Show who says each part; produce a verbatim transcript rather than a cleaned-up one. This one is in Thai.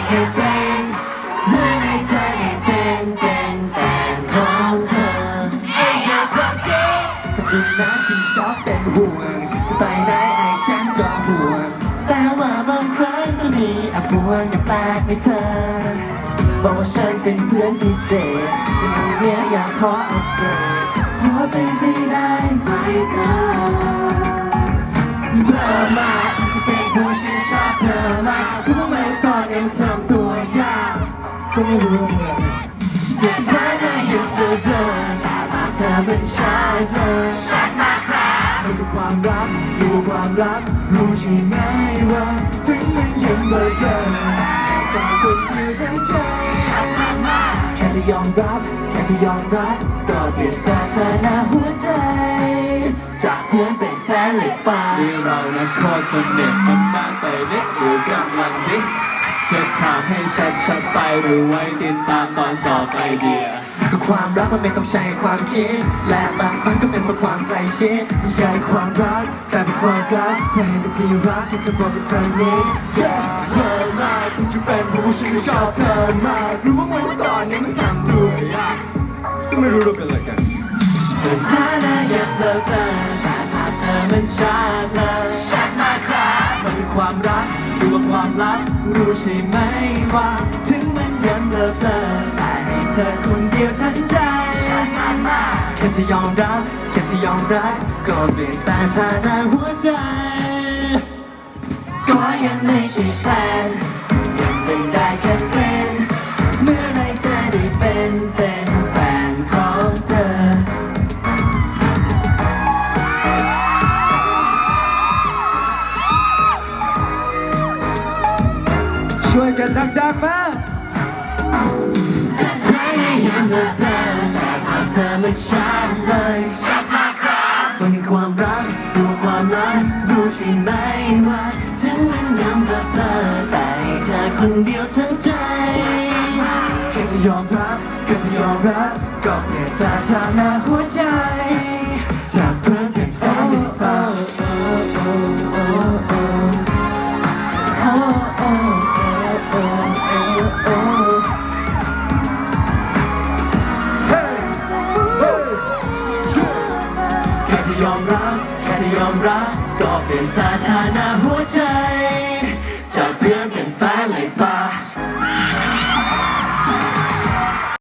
Speaker 1: แค่เป็นเมื่อในใจได้เป็นเป็นแฟนของเธอไอ้ยาความเชื่อแต่ดูนะที่ชอบเป็นห่วงจะไปไหนไอ้ฉันก็ห่วงแต่ว่าบางครั้งก็มีอภวรกับแปลกในเธอบอกว่าฉันเป็นเพื่อนพิเศษแต่ตรงเนี้ยอยากขออัปเดตขอเป็นไปได้ไหมเธอเมื่อมาจะเป็นผู้ฉันชอบเธอมากรู้ไหมตอนเองทำตัวยากก็ไม่รู้เหมือนสุดท้ายได้หยุดเลยเบลอแต่ภาพเธอเป็นชายเลยฉันมาครับมันคือความรักรู้ความรักรู้ใช่ไหมว่าถึงมันยังเบลอเบลอจากคนอยู่ทั้งใจฉันมามาแค่จะยอมรับแค่จะยอมรับก็เปลี่ยนสถานะหัวใจจากเพื่อนเป็นแฟนเลยไป
Speaker 2: ที่เรานั้นโคตรสนิทมันมากไปนิดหรือกำลังนิดจะถามให้ชัดชัดไปหรือไว้ติดตามตอนต่อไปเดีย
Speaker 1: ก็ความรักมันไม่ต้องใช้ความคิดและบางครั้งก็เป็นเพราะความใกล้ชิดไม่ใช่ความรักแต่เป็นความรักใจเป็นที่รักที่เคยบอกไปสักนิดอย่าเลิกมากคุณจะเป็นผู้ฉันชอบเธอมากรู้ว่าวันตอนนี้มันทำด้วยยาก
Speaker 2: ก็ไม่รู้เราเป็นอะไรกัน
Speaker 1: สถานะอยากเลิกเลิกแต่ภาพเธอมันชัดเลยชัดมากครับมันคือความรักหรือว่าความลับรู้ใช่ไหมว่าถึงมันยังเลิกเลิกแต่ให้เธอคนเดียวทั้งใจชัดมากมากแค่จะยอมรับแค่จะยอมรับก็เปลี่ยนสถานะหัวใจก็ยังไม่ใช่แฟนยังเป็นได้แค่เพื่อนเมื่อไรจะได้เป็นเป็นแฟนของเธอ
Speaker 2: ช่วยกันดังๆมา
Speaker 1: สุดท้ายได้เห็นเลิกเลิกแต่ภาพเธอมันชัดเลยชัดมากครับมันคือความรักดูความรักรู้ใช่ไหมว่าถึงมันยังเลิกเลิกแต่เธอคนเดียวทั้งใจแค่จะยอมรับแค่จะยอมรับก็เปลี่ยนสถานะหัวใจ